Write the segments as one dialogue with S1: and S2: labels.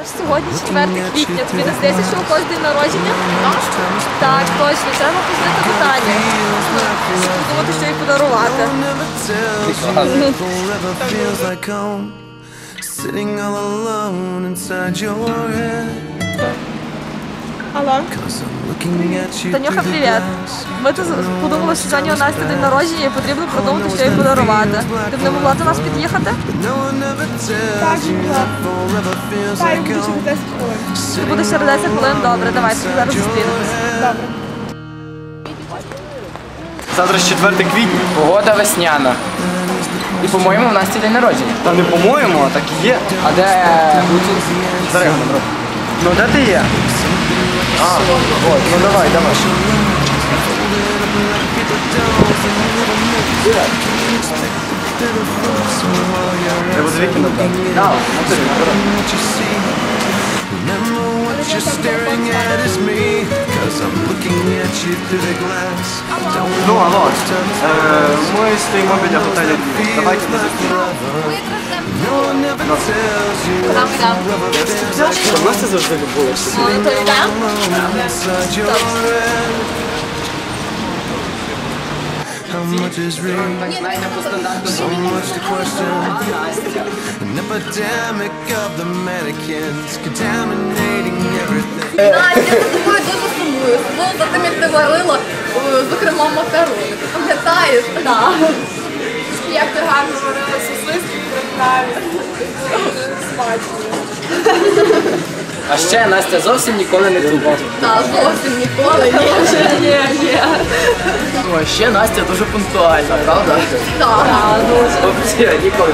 S1: Сьогодні 4 квітня. Тобі не здається, що у когось день народження? Так, точно. Треба познати питання. Думати, що їй подарувати. Алло. Танюха, привіт. Ми тут подумали, що сьогодні у Насті день народження і потрібно продумати, що їй подарувати. Ти б не могла до нас під'їхати?
S2: Так, могла. Так, буде через 10 хвилин.
S1: Це буде через 10 хвилин, добре, давай, зараз зустрінемось.
S2: Добре.
S3: Завтра ж 4 квітня.
S4: Погода весняна. І, по-моєму, у Насті день народження.
S3: Та не по-моєму, а так і є.
S4: А де
S3: Зарегано, бро. Ну де ти є? А, от, ну давай. Треба з вікінда брати. Так, ну, алло, ми стоїмо біля готелю. Давайте на Що в нас це завжди було?
S1: Ну, то йдемо?
S5: How much is real? So much to question. An epidemic of the mannequins contaminating everything.
S6: Настя, я за тобою дуже сумую. Сумую за тим, як ти варила, зокрема, макарони. Ти пам'ятаєш? Так.
S2: Як ти гарно варила сосиски, правильно. Дуже смачно.
S4: А ще Настя зовсім ніколи не тупить.
S6: Так, зовсім ніколи.
S1: Ні.
S4: Ну, а ще Настя дуже пунктуальна, правда?
S6: Так.
S4: Взагалі, ніколи.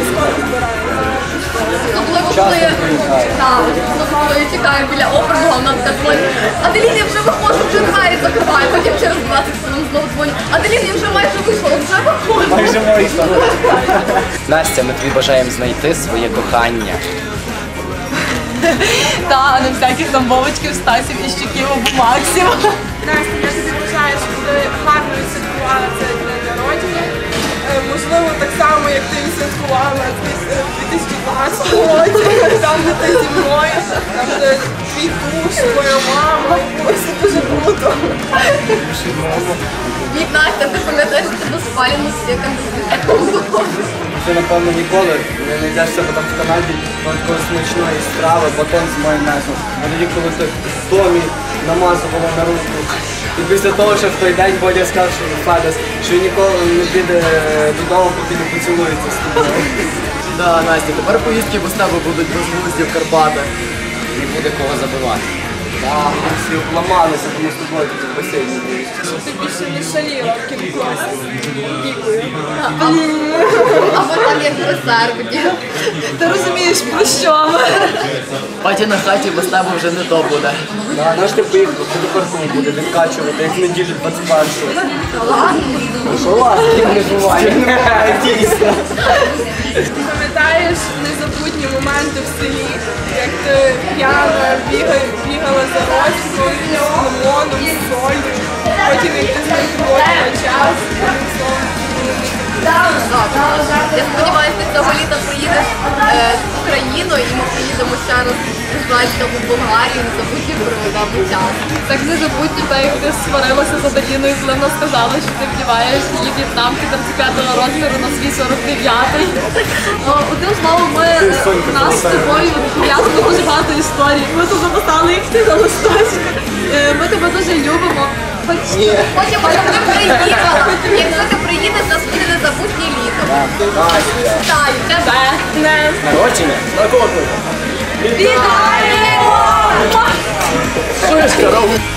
S6: Особливо, коли я чекаю біля оперного, вона така дзвонить. Аделін, я вже виходжу, вже двері закриваю. Потім через 20 хвилин знову дзвоню. Аделін, я вже майже вийшла, вже виходжу.
S3: Майже вийшла.
S4: Настя, ми тобі бажаємо знайти своє кохання.
S1: Так, не всяких там Вовочків, Стасів і Щуків або Максів.
S2: Настя, я тобі бажаю, щоб ти гарно відсвяткувала цей день народження. Можливо, так само, як ти відсвяткувала в 2012 році, там, де ти зі мною, там, де твій душ, твоя мама. Ось це дуже круто.
S6: Вік, Настя, ти пам'ятаєш, що тебе спалено стіком
S3: Ти, напевно, ніколи не знайдешся потім в Канаді такої смачної страви, батон з майонезом. А тоді, коли ти Томі намазувала на руку. І після того, що в той день Бодя сказав, що Федес, що він ніколи не піде додому, поки не поцілується з тобою.
S4: Да, Настя, тепер поїздки без тебе будуть безглузді в Карпатах. Не буде кого забивати.
S3: Так, ми всі обламалися, тому з тобою тут в басейні.
S2: Ти більше не шаліла в кінкласі. Дякую.
S6: або там як в резерві.
S1: Ти розумієш, про що ми?
S4: Паті на хаті без тебе вже не то буде.
S3: Наш ти поїхав, ти тепер тут буде відкачувати, як в неділю 21-го. Що ладно, не буває. Дійсно.
S2: Ти пам'ятаєш незабутні моменти в селі, як ти п'яна бігала за Ростиком, з лимоном, з солью, потім як ти з ним проводила час,
S6: Я сподіваюся, ти цього літа приїдеш в Україну і ми приїдемо ще раз Ізраїльська в Болгарію, не забудь проведемо час.
S1: Так не забудь, так як ти сварилася з Аделіною, коли вона сказала, що ти вдіваєш її в'єтнамки 35-го розміру на свій 49-й. Одним словом, у нас з тобою пов'язано дуже багато історій. Ми тут записали їх всі на листочку. Ми тебе дуже любимо.
S6: Хочемо, щоб ти приїхала. Якщо ти приїдеш, нас буде незабутнє літо. Вітаю тебе.
S3: Народження? На кого?
S1: Вітаємо!
S3: Шишка,